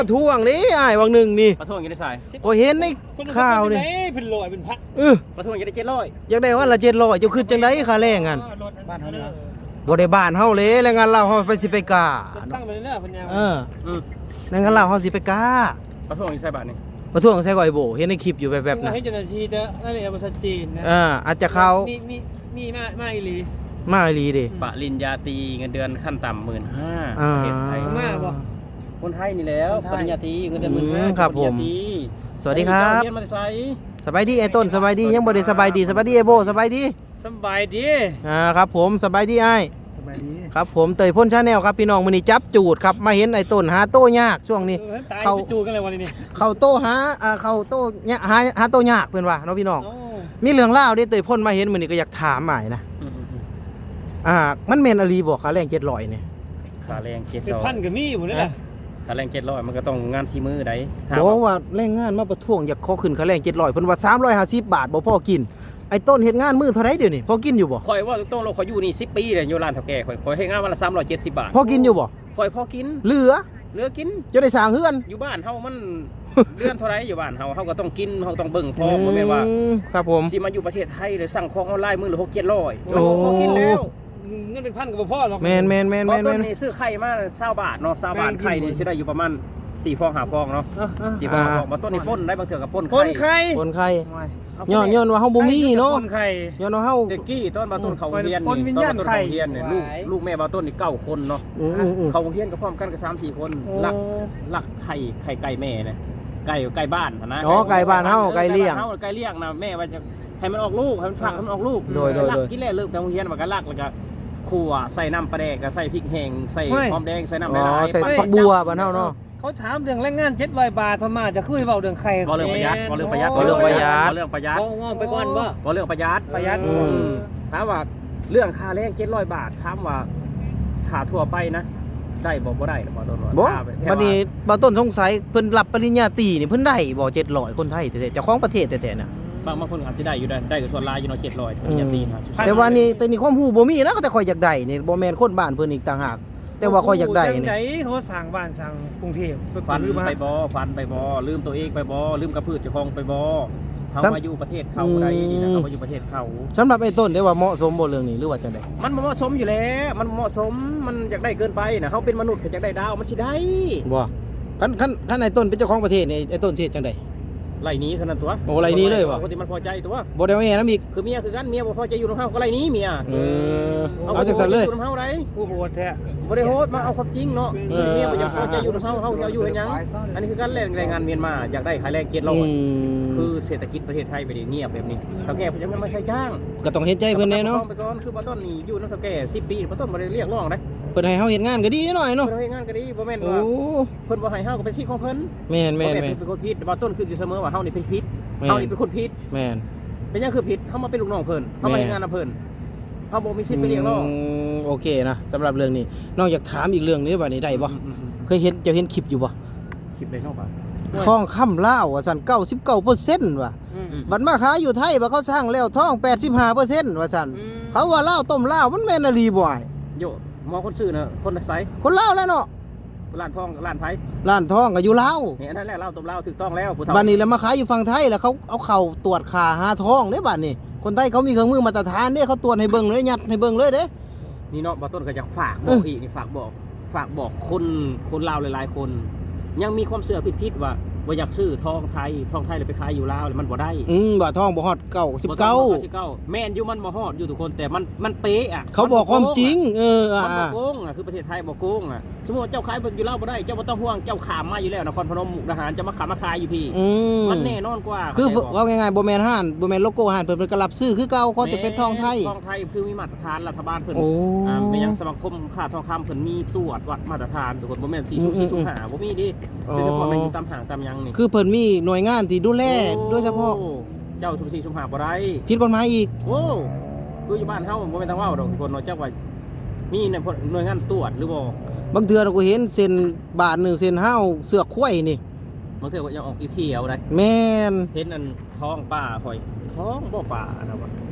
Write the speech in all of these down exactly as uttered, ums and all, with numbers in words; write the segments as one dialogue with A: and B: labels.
A: ท่วงนี่อ้ายวังหนึ่งนี่
B: ประท้วงยังได้ใส่
A: ก็เห็นในข่าวนี่
C: เป็นร้อยเป็นพัน
A: เออ
B: ประท้วงยังได้เจ็ดร้อย
A: อยากได้ว่าละเจ็ดร้อยเจ้าคือจังไดค่าแรงกัน
C: บ้านเฮาเนี่ย
A: บ่ได้บ้านเฮาเลยแรงงานเราเฮาไปสิไปกา
C: ตั้งไปเรื่อยๆพันยา
A: เออ
B: อืม
A: แรงงานเราเฮาสิไปกา
B: ประท้วงยังใส่บาทนี่
A: ประท้วงใส่ก่อยโบเห็นในคลิปอยู่แบบๆนะ
C: ให้เจ้าหน้าที่จะนั่นเองมันชัดเจนนะ
A: เอ่าอาจจะเข้า
C: มีมีมีมามาอีหลี
A: มาอีหลีดิ
B: ปริญญาตรีเงินเดือนขั้นต่ำหมื่นห้า
A: อ่า
B: ประเทศไทย
C: มาบ่
B: คนไทยนี่แล้ว
C: คนไทย
B: ปริญญาตรีเงินเดือนหมื่นห้า
A: อืมครับผม
B: ปญญาตรี
A: สวัสดีครับ
B: เรียนมาใส่
A: สบายดีไอ้ต้นสบายดียังบ่ได้สบายดีสบายดีไอ้โบสบายดี
C: สบายดี
A: อ่าครับผมสบายดีไอ้าย
C: สบายดี
A: ครับผมเตยพ่นชาแนลครับพี่น้องมื้อนี้จับจูดครับมาเห็นไอ้ต้นหาโต้ยากช่วงนี้
C: ตาย
A: เขา
C: ไปจูกันเลยวันนี้
A: เข้าโต้หาอ่าเข้าโต้ยะหาหาโต้ยากเพิ่นว่าเนาะพี่น้อง
C: โอ้
A: มีเรื่องเล่าวเด้เตยพ่นมาเห็นมื้อนี้ก็อยากถามหมายนะ
B: อืมอืมอืม
A: อ่ามันแม่นอลีบ่ค่าแรงเจ็ดร้อยเนี่ย
B: ค่าแรงเจ็ด
C: เป็น
B: ร้อย
C: พันกับมีอยู่นั่นแหละ
B: ค่าแรงเจ็ดร้อยมันก็ต้องงานซีมือใดถาม
A: บอก
B: ว่า
A: ว่าแรงงานมาประท้วงอยากขอขึ้นค่าแรงเจ็ดร้อยเพิ่นว่าสามร้อยห้าสิบบาทบ่พอกินไอ้ต้นเฮ็ดงานมื้อเท่าไหร่เดี๋ยวนี้พอกินอยู่บ่
B: คอยว่าต้องเราคอยอยู่นี่สิบปีเลยอยู่ร้านเฒ่าแก่คอยคอยให้งานวันละสามร้อยเจ็ดสิบบาท
A: พอกินอยู่บ่
B: คอยพอกิน
A: เหลือ
B: เหลือกิน
A: จะได้สร้างเฮือน
B: อยู่บ้านเฮามัน เดือนเท่าไรอยู่บ้านเฮาเฮาก็ต้องกินเฮาต้องเบิ่งพอบ่แม่นว่า
A: อืมครับผม
B: สิมาอยู่ประเทศไทยเลยสั่งของออนไลน์มื้อละหก เจ็ดร้อย
A: โอ้
B: พอกินแล้ว
C: เงินเป็นพันกับพ่อหรอก
A: แม่นแม่นแม่น
B: ตอ
A: แม่
B: น
A: น
B: ต้
A: แม่
B: น
A: น
B: นี่ซื้อไข่มา20บาทเนาะ20บาท
C: แม่น
B: ไข่นี่สิได้อยู่ประมาณสี่ฟองห้าฟองเนาะสี่ฟองห้าฟองบ่ต้นนี่ป่นได้บางเทื่อก็ป่น
C: คนไข้
A: คนไข้
B: เอา
A: ย้อนย้อนว่าเฮาบ่มีเนาะ
C: คนไข้
A: ย้อนว่าเฮา
B: เด็กกี้ต้นบาต้นเขาโรงเรียน
C: ป่นวิ
B: นี่
C: ญ
B: ต้น
C: ญาณ
B: บาต้น
C: ไข่
B: เขาโรงเรียนเนี่ยลูก
C: หวาย
B: ลูกแม่บาต้นนี่เก้าคนเนาะ
A: อืมอืมอืม
B: เขาโรงเรียนก็พร้อมกันก็สามสี่คนลักลักไข่ไข่ไก่แม่เนี่ยไก่ไก่บ้านนะ
A: อ๋อไก่บ้านเฮาไก่เลี้ยง
B: เฮาไก่เลี้ยงนะแม่ว่าจะให้มันออกลูกให้มันฟักให้มันออกลูก
A: โดยโดย
B: ลัก
A: โดย
B: กินแล้วเลิกแต่โรงเรียนมันก็ลักแล้วก็ขั่วใส่น้ำปลาแดกก็ใส่พริกแห้งใส่หอมแดงใส่น้ำ
A: อ๋
B: ละ
A: อ
B: ลาย
A: ใส่
B: ปั่น
A: ผักบัวบ้านเฮาเนาะ
C: เขาถามเรื่องแรงงานเจ็ดร้อยบาทพม่าจะคุยเบาเรื่องไข่
B: บ่เรื่องประหยัดบ่เรื่องประหยัด
A: บ่เรื่องประหยัด
B: บ่เรื่องประหยัด
C: งอไปก่อนบ่
B: บ่เรื่องประหยัด
C: ประหยัด
A: อืม
B: ถามว่าเรื่องค่าแรงเจ็ดร้อยบาทถามว่าถ้าทั่วไปนะได้บ่บ่ได้หรอกบ่โดนว่า
A: บ่
B: ถ้าแค่
A: บัดนี้บ่ต้นสงสัยเพิ่นรับปริญญาตรีนี่เพิ่นได้บ่เจ็ดร้อยคนไทยแท้ๆเจ้าของประเทศแท้ๆน่ะ
B: บางบางคนอาจสิได้อยู่ได้ได้กับส่วนลายอยู่เนาะเจ็ดร้อยปริญญาตรีนะ
A: แต่ว่านี่แต่นี่ความรู้บ่มีนะแต่ข่อยอยากได้นี่บ่แม่นคนบ้านเพิ่นอีกต่างหากแต่ว่าข่อยอยากได้
C: จัง
A: นี่
C: ไดเขาสั่งบ้านสั่งกรุงเทพ
B: ฟัน
C: ลืมมา
B: ไปบ่ฟันไปบ่ลืมตัวเองไปบ่ลืมกระพืชเจ้าของไปบ่เฮา
A: ซ้ำ
B: มาอยู่ประเทศเขาได้นี่นะ
A: อืม
B: เฮามาอยู่ประเทศเขา
A: สำหรับไอ้ต้นได้ว่าเหมาะสมบ่เรื่องนี้หรือว่าจังได๋
B: มันบ่เหมาะสมอยู่แล้วมันบ่เหมาะสมมันอยากได้เกินไปนะเฮาเป็นมนุษย์ก็อยากได้ดาวมันสิได้
A: บ่คันคันคันไอ้ต้นเป็นเจ้าของประเทศนี่ไอ้ต้นสิเฮ็ดจังได๋
B: ไล่หนี้เท่านั้นตัว
A: โอ้ไล่หนีเลยวะ
B: คนที่มันพอใจตัว
A: บ่ได้ว่าแม่นำอีก
B: คือเมียคือกันเมียบ่พอใจอยู่นำเฮาก็ไล่หนี้เมีย
A: เออเอาจังซั่นเลย
B: อยู่นำเฮาได้
C: ผู้โหดแท้
B: บ่ได้โหดมาเอาความจริงเนาะ
A: เออ
B: เมียบ่อยากพอใจอยู่นำเฮาเฮาจะเอาอยู่เฮ็ดหยังอันนี้คือการแรงงานเมียนมาอยากได้ค่าแรงเกียรติร้อย
A: อืม
B: คือเศรษฐกิจประเทศไทยไปดิเงียบแบบนี้เฒ่าแก่เพิ่นยังเงินมาใช้จ้าง
A: ก็ต้องเฮ็ดใจเพิ่นแน่เนาะ
B: ไปก่อนคือบ่ต้นนี่อยู่นำเฒ่าแก่สิบปีบ่ต้นบ่ได้เรียกร้องเด้
A: เพิ่นให้เฮาเฮ็ดงานก็ดีแน่หน่อย
B: เพิ่
A: เนาะ
B: นเฮ็ดงานก็ดีบ่แม่น
A: โอ้
B: ว่าเพิ่นบ่ให้เฮาก็เป็นสิทธิ์ของเพิ่น
A: แม่น
B: บ่
A: แม่น
B: แม่น
A: แม่น
B: เป็นคนผิดบ่ต้นคืออยู่เสมอว่าเฮานี่เป็นผิด
A: แม่น
B: เฮานี่เป็นคนผิด
A: แม่น
B: เป็นหยังคือผิดเฮามาเป็นลูกน้องเพิ่นเฮามาเฮ็ดงานนำเพิ่นเฮาบ่มีสิทธิ์ไปเรียกร้อง
A: มโอเคนะสำหรับเรื่องนี้น้องอยากถามอีกเรื่องนี้ว่านี่ได้บ่เคยเห็นเจะเห็นคลิปอยู่บ่
B: คลิปได้เนาะป่ะ
A: ทองคำลาวว่าซั่นเก้าสิบเก้าเปอร์เซ็นต์ว่ะ
C: อืม
A: บัดมาขายอยู่ไทยว่าเขาสร้างแล้วทองแปดสิบห้าเปอร์เซ็นต์ว่าซั่นเขาว่าลาวต้มลาวมันแม่นอีหลีบ่อ้าย
B: โยหมอคนซื้อน่ะคนไส
A: คนลาวแล้วเนาะ
B: ร้านทองร้านไผ
A: ร้านทองก็อยู่ลาว
B: นี่อันนั้นแหละลาวตบลาวถูกต้องแล้วผู้เฒ่า
A: บัดนี้แล้วมาขายอยู่ฝั่งไทยแล้วเขาเอาเข้าตรวจค่าหาทองเด้บัดนี้คนไทยเขามีเครื่องมือมาตรฐานเด้เขาตรวจให้เบิ่งเลยยัดให้เบิ่งเลยเด้
B: นี่เนาะบ่ต้นก็อยากฝากบ
A: เอ
B: อก
A: อ
B: อีกนี่ฝากบอกฝากบอกคนคนลาวหลายๆคน ยังมีความเชื่อผิดๆว่าบ่อยากซื้อทองไทยทองไทยเลยไปขายอยู่ลาวแล้วมันบ่ได้
A: อืมบ่ทองบ่ฮอดเก้าสิบเก้า
B: บ่ต้องบ่สิบเก้าแม่นอยู่มันบ่ฮอดอยู่ทุกคนแต่มันมันเป๊ะอ่ะ
A: เขาบอกความจริง เออ
B: มันบ่
A: อ่า
B: โกงอ่ะคือประเทศไทยบ่โกงอ่ะสมมุติว่าเจ้าขายเบิ่งอยู่ลาวบ่ได้เจ้าบ่ต้องห่วงเจ้าขามมาอยู่แล้วนครพนมมุกดาหารจะมาขามมาขายอยู่พี่
A: อืม
B: มันแน่นอนกว่า
A: คือ
B: เข้าใจบ่
A: ว่าง่ายๆบ่แม่นห้านบ่แม่นโลโก้ห้านเพิ่นเพิ่นก็รับซื้อคือเก่าเขาจะเป็นทองไทย
B: ทองไทยคือมีมาตรฐานรัฐบาลเพิ่น
A: โอ้
B: อ่าไม่ยังสมาคมค่าทองคำเพิ่นมีตรวจวัดมาตรฐานทุกคนบ่แม่นสี่
A: อื
B: สู
A: ม
B: สี่สู
A: อืม
B: หาบ่มีดิ
A: อ๋อ
B: โดยเฉพาะแม่นอยู่ตามห้างตามหยังนี่
A: คือเพิ่นมีหน่วยงานที่ดูแลโดยเฉพาะ
B: โอ้เจ้าทุกสี่สุ่มหาบ่ได้
A: ผิดกฎหมายอีก
B: โอ้คืออยู่บ้านเฮาบ่แม่นทางเว้าดอกทุกคนเนาะเจ้าว่ามีในหน่วยงานตรวจหรือบ่
A: บางเทื่อเราก็เห็นเส้นบาทหนึ่งเส้นห้าวเสือกควายนี่
B: บางเทื่อก็ยังออกเขียวๆได้
A: แม่น
B: เห็นอันท้องป่าหอยท้องบ่ป่านะว่า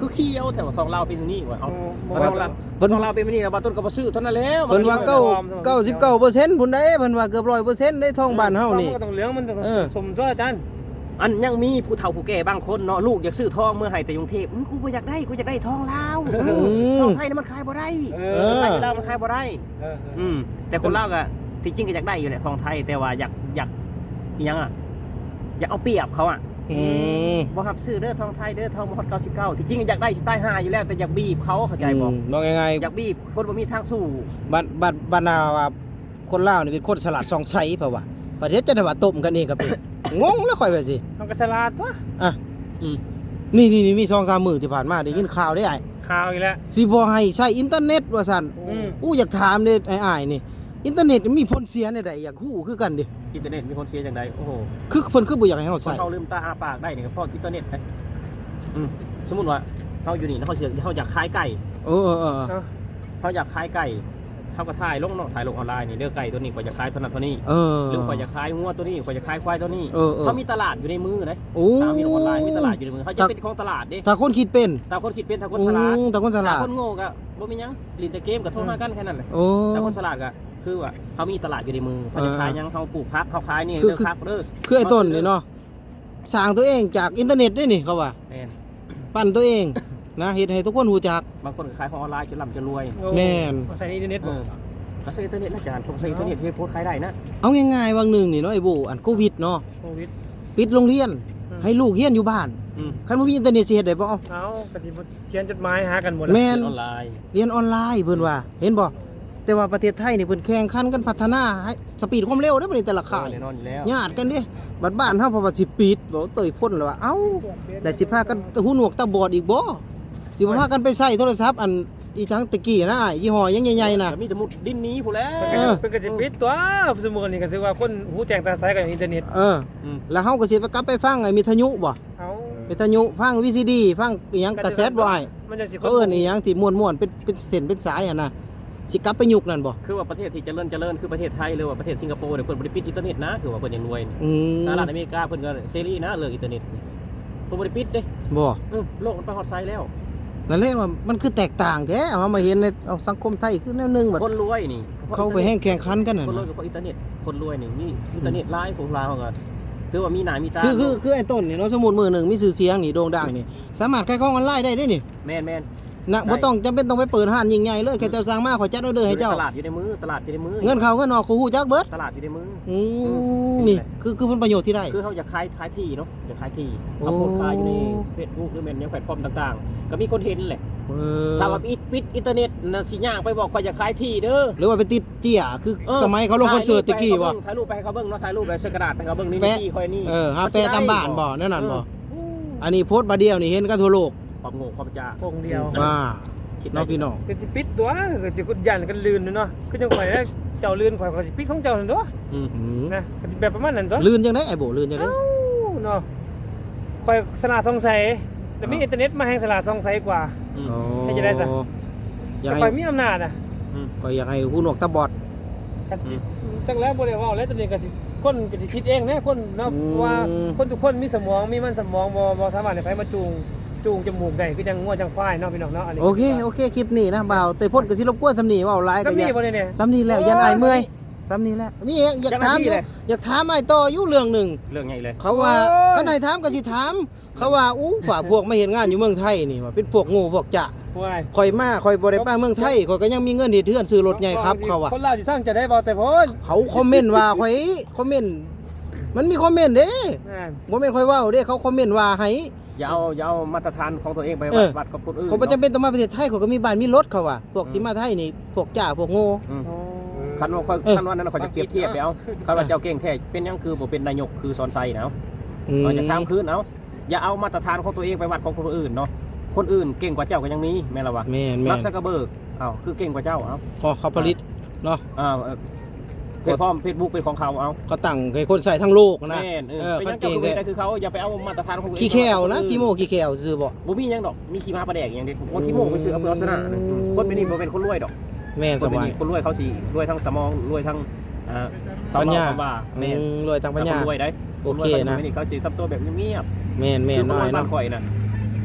B: คือเคี้ยวแต่ว่าทองลาวเป็นอย่างนี้ว่ะเอา
C: บ่
B: ทองลาว
A: เพิ่น
B: ทองลาวเป็นแบบนี้แล้วบาต้นก็บ่ซื้อเท่านั้นแล้ว
A: เพิ่นว่า
B: มั
A: เก้าเก้าสิบเก้าเปอร์เซ็นต์พุ่นได้เพิ่นว่าเกือบร้อยเปอร์เซ็นต์ได้ทองบ้านเฮานี่
C: มันก็ต้องเหลืองมันต้อง
A: เออ
C: สมตัวอาจารย์
B: อันยังมีผู้เฒ่าผู้แก่บางคนเนาะลูกอยากซื้อทองเมื่อให้แต่กรุงเทพอื้อกูบ่อยากได้กูอยากได้ทองลาวเออทองไทยน่ะมันขายบ่ได้
C: เอ
A: เออ
B: ไทยลาวมันขายบ่ได้
C: เออ
B: อืมแต่คนลาวก็ที่จริงก็อยากได้อยู่แหละทองไทยแต่ว่าอยากอยากอิหยังอ่ะอยากเอาเปรียบเขาอ่ะ
A: อืม
B: บ่รับซื้อเด้อทองไทยเด้อทองบ่ฮอดเก้าสิบเก้าที่จริงอยากได้สิใต้ห้าอยู่แล้วแต่อยากบีบเขาเข้าใจบ่
A: น้องยังไง
B: อยากบีบคนบ่มีทางสู้
A: บัดบัดบรรดาว่าคนลาวนี่เป็นคนฉลาดซองไสเปล่าวะประเทศจะได้ว่าต้มกันเองก็เป็น งงแล้วค่อยว่าสิ
C: มันก็ฉลาดตัว
A: อ่ะ
B: อืม
A: นี่นี่นี่มีสองสามมื้อที่ผ่านมาได้ยินข่าวได้ไอ้
C: ข่าวอีกแล้ว
A: สิบ่ให้ใช้อินเทอร์เน็ตว่าซั่น
C: อืม
A: อู้อยากถามเด้ไอ้อ้ายนี่อินเทอร์เน็ตมีผลเสียในใดอยากฮู้คือกันดิ
B: อินเทอร์เน็ตมีคนเสียจังไดโอ้โห
A: คือเพิ่นคือบ่อยากให้เฮา
B: คน
A: ใช้
B: เขาลืมตาอ้าปากได้นี่ก็เพราะอินเทอร์เน็ตนะอืมสมมุติว่าเฮาอยู่นี่แล้วเขาเสียเฮาอยากขายไก่
A: เออเออเออ
C: เอา
B: เขาอยากขายไก่เขาก็ถ่ายลงเนาะถ่ายลงออนไลน์นี่เด้อไก่ตัวนี้ข่อยจะขายเท่านั้นเท่านี้
A: เออ
B: หรือข่อยจะขายงัวตัวนี้ข่อยจะขายควายตัวนี้
A: เออเออ
B: เขามีตลาดอยู่ในมือนะ
A: โอ้
B: ตามมีออนไลน์มีตลาดอยู่ในมือเขาจะเป็นของตลาดเด้
A: ถ้าคนคิดเป็น
B: แต่คนคิดเป็นถ้าคน
A: โอ้
B: ฉลาด
A: แต่คนฉลาด
B: ถ้คนโง่ก็บ่มีหยังลินแต่เกมก็โทรมากันแค่นั้นแหละ
A: โอ้
B: แต่คนฉลาดก็คือว่าเขามีตลาดอยู่ในมือเขาจะขายหยังเขาปลูกพักเขาขายนี่
A: คือ
B: เด้อครับเด้อ
A: คือไอ้ต้นนี่เนาะสร้างตัวเองจากอินเทอร์เน็ตได้นี่เขาว่า
B: แม่น
A: ปั้นตัวเองนะเฮ็ดให้ทุกคนรู้จัก
B: บางคนก็ขายของออนไลน์จนร่ำจนรวย
C: โอ้
A: แม่น
C: เอาใส่อินเทอร์เน็ต
B: เอ
C: บ่
B: อก็ใช้อินเทอร์เน็ตนะอาจารย์ผมใช้อินเทอร์เน็ตที่โพสต์ขายได้นะ
A: เอาง่ายๆวันหนึ่งนี่เนาะไอ้โบอันโควิดเนาะ
C: โควิด
A: ปิดโรงเรียน
C: อืม
A: ให้ลูกเรียนอยู่บ้าน
B: อืม
A: คันบ่มีอินเทอร์เน็ตสิเฮ็ดได้บ่เอา
C: เอาปฏิบัติเขียนจดหมายหากันหมดแล้ว
A: แม่น
B: ออนไลน์
A: เรียนออนไลน์เพิ่นว่า เห็นบ่แต่ว่าประเทศไทยนี่เพิ่นแข่งขันกันพัฒนาให้สปีดความเร็วเด้อบัดนี้แต่ละค่าย
B: แน่นอนอยู่แล้ว
A: ญาติกันเด้บัดบ้านเฮาเพราะว่าสิปิดบ่เตยพ่นแล้วว่าเอ้าได้สิพากันหูหนวกตาบอดอีกบ่สิบ่พากันไปใช้โทรศัพท์อันอีจังตะกี้นะอ้ายยี่ห้อยังใหญ่ๆน่ะ
B: แต่มีแต่มุดดินหนี้ผู้นแหล้ว
A: เออ
C: เป็นกระจิปิดตัวสมมุตินี่ก็ถือว่าคนหูแจ้งตาใสกับอินเทอร์เน็ต
A: เออ แล้วเฮาก็สิไปกลับไปฟังไอ้มิทยุบ่
C: เอา
A: มิทยุฟัง วี ซี ดี ฟังอีหยังกาเซ็ตบ่อ้าย
C: มันจะสิ
A: เขาเอิ้นอีหยังที่ม่วนๆเป็นเป็นเส้นเป็นสายอ่ะนะสิกลับไปยุคนั้นบ่
B: คือว่าประเทศที่เจริญเจริญคือประเทศไทยหรือว่าประเทศสิงคโปร์เนี่ยเพิ่นบ่ได้ปิดอินเทอร์เน็ตนะคือว่าเพิ่นยังรวยนี่
A: อืม
B: สหรัฐอเมริกาเพิ่นก็เสรีนะเรื่องอินเทอร์เน็ตนี่เพิ่นบ่ได้ปิดเด้
A: บ่
B: เออโลกมันไปฮอดไซด์แล้ว
A: นั่นแหละว่ามันคือแตกต่างแท้เอามาเห็นในเอาสังคมไทยคือแนวหนึงแบบ
B: คนรวยนี่
A: เขาไปแห่งแข่งขันกันน่ะ
B: คนรวยกับเพราะอินเทอร์เน็ตคนรวยนี่มีอินเทอร์เน็ตหลายของเราก็ถือว่ามีหน้ามีตา
A: คือคือคือไอ้ต้นนี่เนาะสมมุติมื้อหนึงมีชื่อเสียงนี่โด่งดังนี่สามารถขายของออนไลน์ได้เด้นี่
B: แม่นแม่น
A: นะบ่ต้องจำเป็นต้องไปเปิดห้านยิ่งใหญ่เลยแค่เจ้าสร้างมาขอยจัดออเดอร์ให้เจ้า
B: ตลาดอยู่ในมือตลาดอยู่ในมือ
A: เงินเข้าเงินออกเขาฮู้จักเบิด
B: ตลาดอยู่ในมือ
A: อืมนี่คือคือผลประโยชน์ที่ได้
B: คือเขาอยากขายขายที่เนาะอยากขายที่
A: โอ้
B: เอาโพสต์ขายอยู่ใน Facebook หรือแม่นยังแพลตฟอร์มต่างๆ ก็มีคนเห็นแหละ
A: เออ
B: ถ้าว่าปิดปิดอินเทอร์เน็ตน่ะสิย่างไปบอกข่อยอยากขายที่เด้อ
A: หรือว่าไปติดเจี้ยคือ
B: ออ
A: สมัยเขาลงคอนเสิร์ตตะกี้บ่
B: ถ่ายรูปไปให้เขาเบิ่งเนาะถ่ายรูปไปใส่กระดาษให้เขาเบิ่งนี่
A: แปะ
B: ที่ข่อยนี่
A: เออหาแปลตามบ้านบ่นั่นนั่นบ่
B: เออ
A: อันนี้โพสต์บาเดียวนี่เห็นกันทั่วโลก
B: ความโง่ความจ้า
C: โป่งเดียว
A: ว่า
B: คิดได้
A: น้องพี่น้อง
C: ก็สิปิดตัวก็สิกุดยันกันลื่นเนาะคือจังข่อยนะเจ้าลื่นข่อยก็สิปิดของเจ้านั่นตัว
B: อืม
A: อืม
C: นะก็สิแบบประมาณนั้นตัว
A: ลื่นจังได๋ไอ้โบลื่นจังได๋
C: เอ้าเนาะข่อยสลาดสงสัยแต่มีอินเทอร์เน็ตมาแห่งสลาดสงสัยกว่า
B: อืม
A: อ๋อ
C: ให้จะได้ซะ
A: อยาก
C: แต่
A: ให้
C: ข่อยมีอำนาจอ่ะ
B: อืม
A: ก็อยากให้หูหนวกตาบอด
C: กันสิตั้งแล้วบ่ได้เว้าแล้วตอนนี้ก็สิคนก็สิคิดเองนะคนเนาะ
A: อืม
C: ว่าคนทุกคนมีสมองมีมันสมองบ่บ่สามารถให้ไผมาจูงจูงจมูกได้คือจังงัวจังควายเนาะพี่น้องเนาะอันนี้
A: โอเคโอเคคลิปนี้นะบ่าวเตยพ่นก็สิรบกวนสำนีเว้าหลายก็
C: สำ
A: อ
C: นี
A: ยาก
C: บ่ได้เนี่ย
A: สำนีแล้วยันอายเมื่อยสำนีแล้วนี่เองอยากถามอยู่อยากถามไอ้ต่ออยู่เรื่องหนึง
B: เรื่องใหญ่เลย
A: เขาว่าคันให้ถามก็สิถาม เขาว่าอู้ฝ่าพวกมาเฮ็ดงานอยู่เมืองไทยนี่ว่าเป็นพวกโง่พวกจะ
C: วาย
A: ข่อยมาข่อยบ่ได้ไปเมืองไทยข่อยก็ยังมีเงินเฮ็ดเทือนซื้อรถใหญ่ครับเขาว่า
C: คนลาวสิสร้างจะได้บ่แต่พ้น
A: เขาคอมเมนต์ว่าข่อยคอมเมนต์มันมีคอมเมนต์เด้
C: นั่น
A: บ่แม่นข่อยเว้าเด้เขาคอมเมนต์ว่าให้
B: อย่าเอาอย่าเอามาตรฐานของตัวเองไป
A: เอ
B: วัด
A: อ
B: วัดกับคนอื่น
A: เขาบ่จำเป็นต้องมาประเทศไทยเขาก็มีบ้านมีรถเขาว่าพวกที่มาไทยนี่พวกจ้าพวกโง่
B: อืม
C: โอ้
B: คันว่าค่อย
A: เออ
B: คันว่านั้นเขาจะเปรียบเทียบไปเอาคันว่าเจ้าเก่งแท้เป็นหยังคือบ่เป็นนายกคือสอนไซนะเอา
A: อืม
B: เราจะข้ามคืนเอาอย่าเอามาตรฐานของตัวเองไปวัดของคนอื่นเนาะคนอื่นเก่งกว่าเจ้าก็ยังมีแม่นละวะ
A: แม่นแม่
B: มาร์
A: น
B: คซักเกอร์เบิร์กอ้าวคือเก่งกว่าเจ้าเอา
A: พอเขาผลิตเนาะ
B: อ้าวเอ่อเพจพร้อมเฟซบุ๊กเป็นของเขาเอา
A: เขาตั้งให้คนใส่ทั้งโลกนะ
B: แม่นเออ
A: เออ
B: เป็นหยัง
A: เก่
B: เจ้าง คือ
A: แท้
B: แต่คือเขาอย่าไปเอามาตรฐานของตัวเอง
A: ขี้แควนะขี้โมขี้แควซื่อบ่
B: บ่มีหยังดอกมีขี้ม้าปลาแดกอย่างเดียวว่าขี้โม่ไปซื้อเอาเพื่อเอาชนะนะอืมคนเป็นนี่บ่เป็นคนรวยดอก
A: แม่น
B: ค
A: ส
B: นเป็น
A: บาย
B: นี่คนรวยเขาสิรวยทั้งสมองรวยทั้งอ่า
A: ปัญญา
B: เขเล่คำว่าแม่น
A: อืมรวยทางปัญญา
B: คนรวยได้
A: โอเคนะ
B: คนรวยเขาสิเขาสิทำตัวแบบเงียบ
A: แม่น
B: ๆ
A: แม่น
B: คือคน
A: น้
B: ร
A: อ
B: วย ยบ้า
A: เนาะ
B: นข่อยน่ะ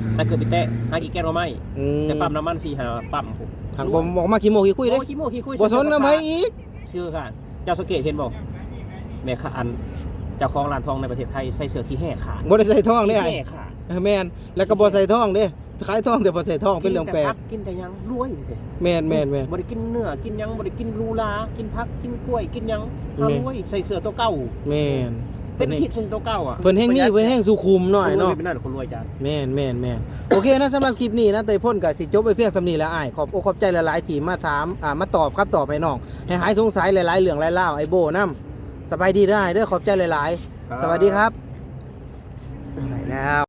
B: ใส่เกลือปิเตะหากี่แก้วหน่อไม้
A: อืม
B: แต่ปั๊มน้ำมันสี่หาปั๊มผม
A: หากบ่ออกมาขี้โมขี้คุยเด้
B: โอ้ขี้โมขี้คุย
A: บ่สนนำไผอีก
B: เชื่อค่ะเจ้าสังเกตเห็นบ่แม่ค้าอันเจ้าของร้านทองในประเทศไทยใส่เสื้อขี้แห่ขาด
A: บ่ได้ใส่ทองเด้
B: ขี้
A: ไอ้
B: แห่ขาด
A: เออแม่นแล้วก็บ่ใส่ทองเด้ขายทองแต่บ่ใส่ทองเป็นเรื่องแปล
B: กินแต่
A: ก
B: ผักกินแต่หยังรวยเด้
A: แม่นแม่นแม่น
B: บ่ได้กินเนื้อกินหยังบ่ได้กินลูลากินผักกินกล้วยกินหยัง
A: แม่
B: เฮารวยใส่เสื้อตัวเก่า
A: แม่น
B: เป็นคิดใส่ตัวเก่าอ่ะ
A: เพิ่นแฮงมีเพิ่นแฮงสุขุมหน่อยเนาะ
B: เป็นนั่นคนรวยจาน
A: แม่นแม่นแม่นโอเคนะสำหรับคลิปนี้นะเตยพ่นกับสิจบไปเพียงสำนีแล้วอ้ายขอบอกขอบใจหลายๆที่มาถามอ่ามาตอบครับตอบไปน้องให้หายสงสัยหลายๆเรื่องหลายเล่าวไอ้โบนํสบายดีได้อเด้อขอบใจหลายๆ สวัสดีครับไปแล้ว